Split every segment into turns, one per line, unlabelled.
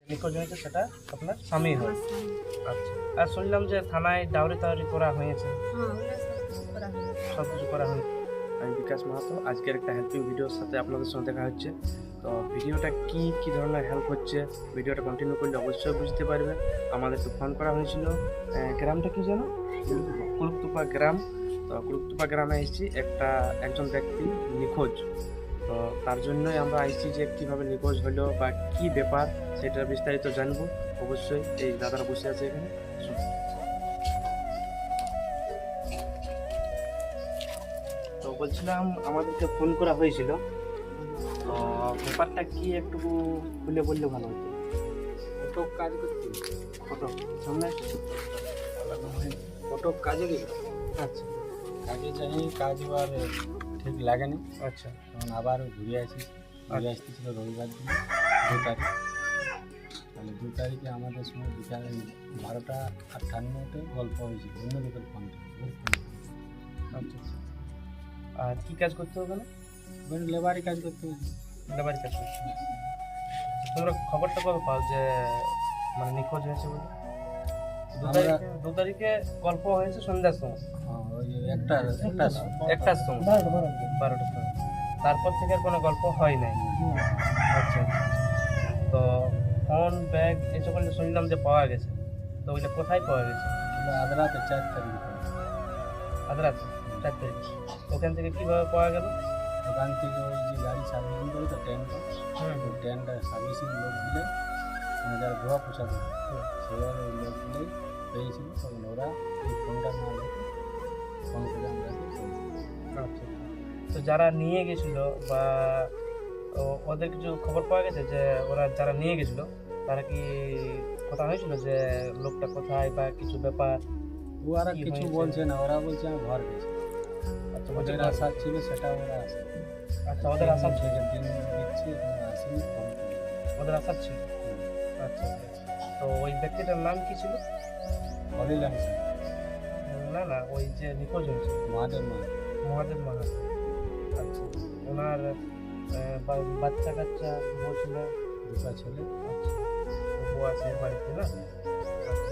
নিখোঁজ হয়েছে সেটা আপনার স্বামী হয়।
আমার স্বামী।
আচ্ছা, আর শুনলাম যে থানায় ডাউরি টাউরি করা হয়েছে,
হ্যাঁ, ওগুলো সব কিছু করা হয়েছে।
সব কিছু করা হয়েছে। আমি বিকাশ মাহাতো, আজকের একটা হেল্পিং ভিডিওর সাথে আপনাদের সঙ্গে দেখা হচ্ছে। তো ভিডিওটা কি ধরনের হেল্প হচ্ছে, ভিডিওটা কন্টিনিউ করলে অবশ্যই বুঝতে পারবে। আমাদেরকে ফোন করা হয়েছিল, গ্রামটা কি যেন কুলুকতুপা গ্রাম। তো কুলুকতুপা গ্রামে এসেছি, একজন ব্যক্তি নিখোঁজ। তো তার জন্যই আমরা আসছি যে কীভাবে নিখোঁজ হলো বা কি ব্যাপার সেটা বিস্তারিত জানবো। অবশ্যই এই দাদারা বসে আছে এখানে, শুনুন। তো বলছিলাম আমাদেরকে ফোন করা হয়েছিল, তো ব্যাপারটা কি একটু খুলে বললে ভালো হতো।
ফটো কাজ করতে
ফটো সামনে,
ফটো কাজে গেল,
আচ্ছা
কাজে যাই, কাজ এবার ঠিক লাগেনি।
আচ্ছা
তখন আবার ঘুরে আসতেছিল রবিবার দিন 2 তারিখ। তাহলে 2 তারিখে আমাদের সময় বিকালে 12:58 গল্প হয়েছিল অন্য লোকের ফোন
আচ্ছা। আর কি কাজ করতে হবে না?
লেবারি কাজ করতে হয়েছে।
লেবারি কাজ করতে হবে। তোমরা খবরটা কবে পাও যে মানে নিখোঁজ হয়েছে বলে? 2 তারিখে গল্প হয়েছে সন্ধ্যার সময়,
ওই একটার
সময় 12টার সময়। তারপর থেকে আর কোনো গল্প হয় নাই। আচ্ছা, তো ফোন ব্যাগ এই সকল শুনলাম যে পাওয়া গেছে, তো ওইটা কোথায় পাওয়া গেছে?
আদ্রাতে 4 তারিখ।
আদ্রাতে 4 তারিখ। ওখান থেকে কীভাবে পাওয়া গেল?
ওখান থেকে ওই যে গাড়ি সার্ভিসিং করে তো ট্রেনটা সার্ভিসিং লোক দিলে যারা ধোয়া পোছা করে সেবার ওই লোকগুলোই পেয়েছিল। তখন ওরা এই ফোনটা না রেখে ফোন করে আমরা
আচ্ছা, তো যারা নিয়ে গেছিল বা ওদের কিছু খবর পাওয়া গেছে যে ওরা যারা নিয়ে গেছিল তারা কি কথা হয়েছিল যে লোকটা কোথায় বা কিছু ব্যাপার?
ওরা
কি
কিছু
হয়েছে?
বলছে না, ওরা বলছে আমি ঘর গেছি।
আচ্ছা,
ওদের আশা ছিল সেটা ওরা আসে।
আচ্ছা, ওদের আশা ছিল,
দিন দিচ্ছি এখনো আসেনি, ফোন করে।
ওদের আশা ছিল। আচ্ছা, তো ওই ব্যক্তিটার নাম কি ছিল?
হলিলাম
না, ওই যে নিখোঁজ হয়েছে
মহাদেব
মহাদেব মাহাতো। আচ্ছা, ওনার বাচ্চা কাচ্চা বউ ছিল?
2টা ছেলে।
আচ্ছা, বউ আছে বাড়িতে না? আচ্ছা,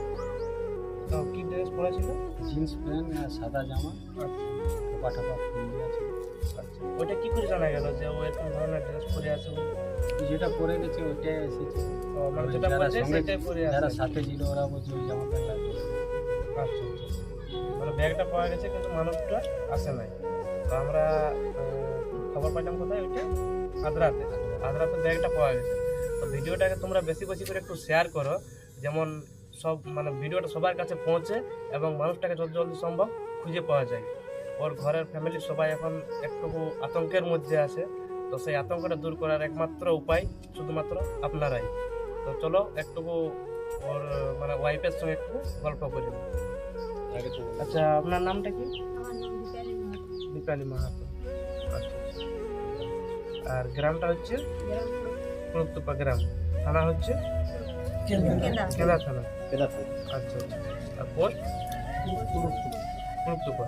তো কি ড্রেস পরেছিল?
জিন্স প্যান্ট আর সাদা জামা,
আচ্ছা
টোপা ফুল দেওয়া ছিল।
আচ্ছা, ওইটা কি করে জানা গেল যে ও এরকম ধরনের ড্রেস পরে আছে?
যেটা পরে গেছে ওইটাই এসেছে।
মানে যেটা
যারা
পরেছে
সঙ্গে
সেটাই পরে
যারা
আছে।
সাথে ছিল ওরা বলছে ওই জামা প্যান্ট লাগবে।
আচ্ছা, মানে ব্যাগটা পাওয়া গেছে কিন্তু মানুষটা আসে নাই। তো আমরা খবর পাইলাম কোথায়? ওইটা আদ্রাতে ব্যাগটা পাওয়া গেছে। তো ভিডিওটাকে তোমরা বেশি করে একটু শেয়ার করো, যেমন সব মানে ভিডিওটা সবার কাছে পৌঁছে এবং মানুষটাকে যত জলদি সম্ভব খুঁজে পাওয়া যায়। ওর ঘরের ফ্যামিলির সবাই এখন একটু আতঙ্কের মধ্যে আছে। তো সেই আতঙ্কটা দূর করার একমাত্র উপায় শুধুমাত্র আপনারাই। তো চলো একটুকু ওর মানে ওয়াইফের সঙ্গে একটু গল্প করি। আচ্ছা, আপনার নামটা কি?
আমার নাম দীপালি মাহাতো।
দীপালি মাহাতো। আচ্ছা, আর গ্রামটা হচ্ছে
গ্রাম
কুলুকতুপা গ্রাম, থানা হচ্ছে
কেন্দা।
কেদা থানা। আচ্ছা, আর পোস্ট কুলুকতুপা।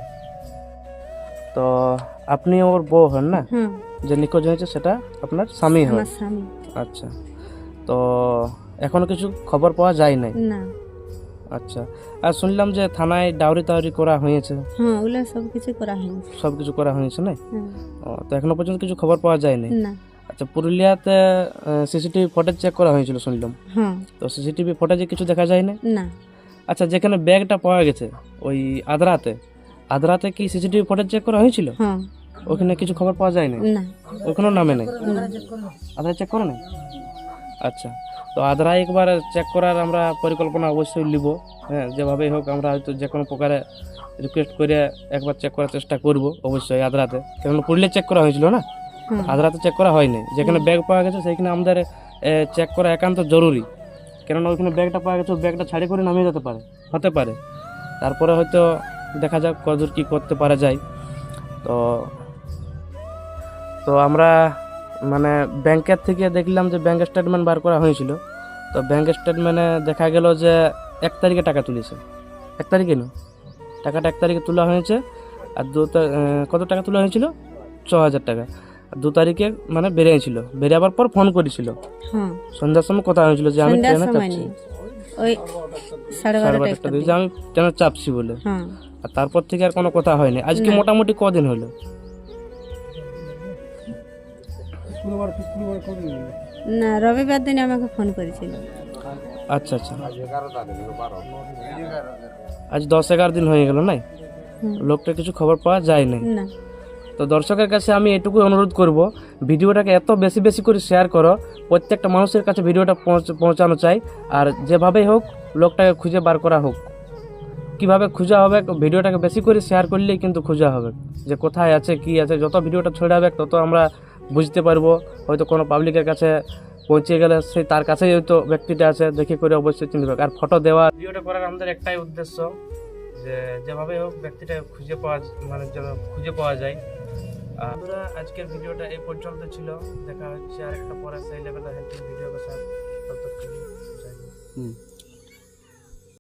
তো আপনি ওর বউ হন না?
হ্যাঁ,
যে নিখোঁজ হয়েছে সেটা আপনার স্বামী হয়?
আমার স্বামী।
আচ্ছা, তো এখনো কিছু খবর পাওয়া যায় নাই?
না।
আচ্ছা, আর শুনলাম যে থানায় ডাউরি টাউরি করা হয়েছে,
হ্যাঁ, ওগুলো সব কিছু করা হয়েছে।
সব কিছু করা হয়েছে না?
হ্যাঁ,
তো এখনো পর্যন্ত কিছু খবর পাওয়া যায়নি?
না।
আচ্ছা, পুরুলিয়াতে সিসিটিভি ফুটেজ চেক করা হয়েছিল শুনলাম,
হ্যাঁ,
তো সিসিটিভি ফুটেজে কিছু দেখা যায় না?
না।
আচ্ছা, যেখানে ব্যাগটা পাওয়া গেছে ওই আদ্রাতে কি সিসিটিভি ফুটেজ চেক করা হয়েছিল?
হ্যাঁ,
ওখানে কিছু খবর পাওয়া যায় না?
না।
ওখানেও নামে নেই?
না।
আদ্রা চেক করো না? আচ্ছা, তো আদ্রা একবার চেক করার আমরা পরিকল্পনা অবশ্যই নিব। হ্যাঁ, যেভাবেই হোক আমরা হয়তো যে কোনো প্রকারে রিকোয়েস্ট করে একবার চেক করার চেষ্টা করব অবশ্যই আদ্রাতে, কারণ পুরুলিয়া চেক করা হয়েছিল না,
হ্যাঁ,
আদ্রাতে চেক করা হয়নি। যেখানে ব্যাগ পাওয়া গেছে সেইখানে আমাদের চেক করা একান্ত জরুরি, কেননা ওইখানে ব্যাগটা পাওয়া গেছে, ব্যাগটা ছাড়ি করে নামিয়ে হতে পারে। তারপরে হয়তো দেখা যাক কতদূর কী করতে পারা যায়। তো আমরা মানে ব্যাংকের থেকে দেখলাম যে ব্যাংক স্টেটমেন্ট বার করা হয়েছিল। তো ব্যাংক স্টেটমেন্টে দেখা গেল যে 1 তারিখে টাকা তুলেছে। 1 তারিখে না, টাকাটা 1 তারিখে তোলা হয়েছে। আর কত টাকা তোলা হয়েছিল? 6,000 টাকা। 2 তারিখে মানে বেরিয়েছিল, বেরিয়াবার পর ফোন করেছিল,
হ্যাঁ
সন্ধ্যার সময় কথা হয়েছিল যে আমি
সন্ধ্যার
ট্রেনে
সময়
চাপছি,
নেই, ওই 12:30
12:30 যে আমি ট্রেনে চাপছি বলে।
হ্যাঁ
আর তারপর থেকে আর কোনো কথা হয়নি। আজকে
না।
মোটামুটি কদিন হলো?
না, রবিবার দিন আমাকে ফোন করেছিল।
আচ্ছা আচ্ছা, আজ 10-11 দিন হয়ে গেল নাই,
হুম।
লোকটা কিছু খবর পাওয়া যায় নাই।
না,
তো দর্শকের কাছে আমি এটুকুই অনুরোধ করব, ভিডিওটাকে এত বেশি বেশি করে শেয়ার করো, প্রত্যেকটা মানুষের কাছে ভিডিওটা পৌঁছানো চাই। আর যেভাবেই হোক লোকটাকে খুঁজে বার করা হোক, কিভাবে খোঁজা হবে, ভিডিওটাকে বেশি করে শেয়ার করলেই কিন্তু খোঁজা হবে যে কোথায় আছে কি আছে। যত ভিডিওটা ছড়াবে তত আমরা বুঝতে পারবো, হয়তো কোনো পাবলিকের কাছে পৌঁছে গেলে সেই তার কাছেই হয়তো ব্যক্তিটা আছে, দেখে করে অবশ্যই চিনবে। আর ফটো দেওয়া, ভিডিওটা করার আমাদের একটাই উদ্দেশ্য যে যেভাবে হোক ব্যক্তিটা খুঁজে পাওয়া, মানে যেন খুঁজে পাওয়া যায়। আমরা আজকের ভিডিওটা এই পর্যন্ত ছিল, দেখা হচ্ছে আরেকটা পরে সেই লেভেলের হেল্পিং ভিডিও के साथ। तब तक के लिए जय हिंद।